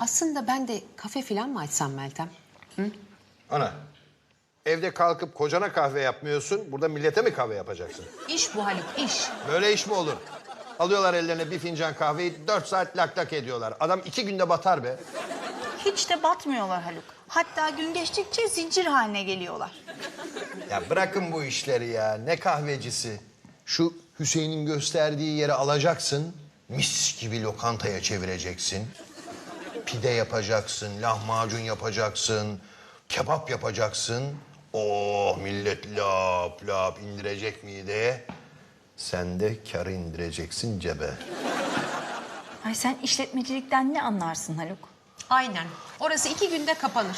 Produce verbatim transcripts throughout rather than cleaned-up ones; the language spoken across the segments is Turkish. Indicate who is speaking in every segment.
Speaker 1: Aslında ben de kafe falan mı açsam Meltem?
Speaker 2: Ana, evde kalkıp kocana kahve yapmıyorsun, burada millete mi kahve yapacaksın?
Speaker 1: İş bu Haluk, iş.
Speaker 2: Böyle iş mi olur? Alıyorlar ellerine bir fincan kahveyi, dört saat lak lak ediyorlar. Adam iki günde batar be.
Speaker 3: Hiç de batmıyorlar Haluk. Hatta gün geçtikçe zincir haline geliyorlar.
Speaker 2: Ya bırakın bu işleri ya, ne kahvecisi? Şu Hüseyin'in gösterdiği yeri alacaksın, mis gibi lokantaya çevireceksin. Pide yapacaksın, lahmacun yapacaksın, kebap yapacaksın. Oh millet lap lap indirecek mideye. Sen de karı indireceksin cebe.
Speaker 3: Ay sen işletmecilikten ne anlarsın Haluk?
Speaker 1: Aynen. Orası iki günde kapanır.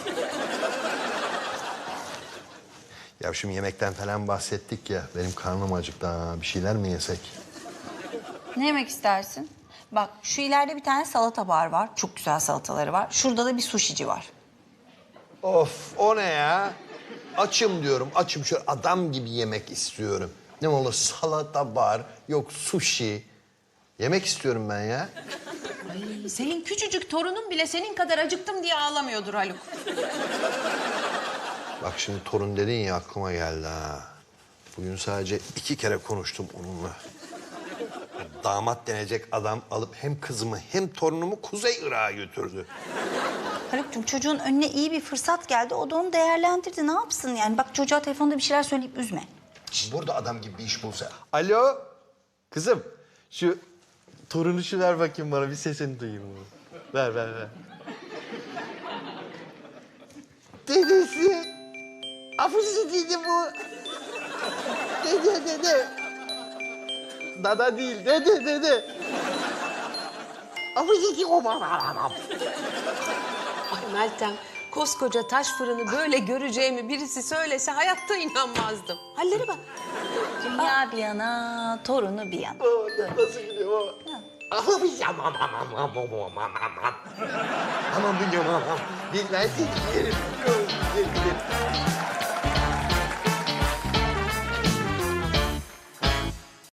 Speaker 2: Ya şimdi yemekten falan bahsettik ya, benim karnım acıktı ha. Bir şeyler mi yesek?
Speaker 3: Ne yemek istersin? Bak şu ileride bir tane salata bar var. Çok güzel salataları var. Şurada da bir suşici var.
Speaker 2: Of, o ne ya? Açım diyorum, açım. Şöyle adam gibi yemek istiyorum. Ne olur salata bar, yok sushi. Yemek istiyorum ben ya.
Speaker 1: Ay, senin küçücük torunun bile senin kadar acıktım diye ağlamıyordur Haluk.
Speaker 2: Bak şimdi torun dedin ya aklıma geldi ha. Bugün sadece iki kere konuştum onunla. Damat denecek adam alıp hem kızımı hem torunumu Kuzey Irak'a götürdü.
Speaker 3: Haluk'cum çocuğun önüne iyi bir fırsat geldi. O da onu değerlendirdi. Ne yapsın yani? Bak çocuğa telefonda bir şeyler söyleyip üzme.
Speaker 2: Burada adam gibi bir iş bulsa. Alo, kızım. Şu torunu şu ver bakayım bana, bir sesini duyayım. Ver, ver, ver. Dedesi. Afuzi dedi bu. Dede, dede. Dada değil, dede, dede. Afuzi o bana.
Speaker 1: Ay Meltem, koskoca taş fırını böyle göreceğimi birisi söylese hayatta inanmazdım. Hallere bak.
Speaker 3: Dünya bir yana, torunu bir yana.
Speaker 2: Nasıl gidiyor o? Aman aman aman aman aman aman. Aman biliyorum aman. Bilmez ki yerim.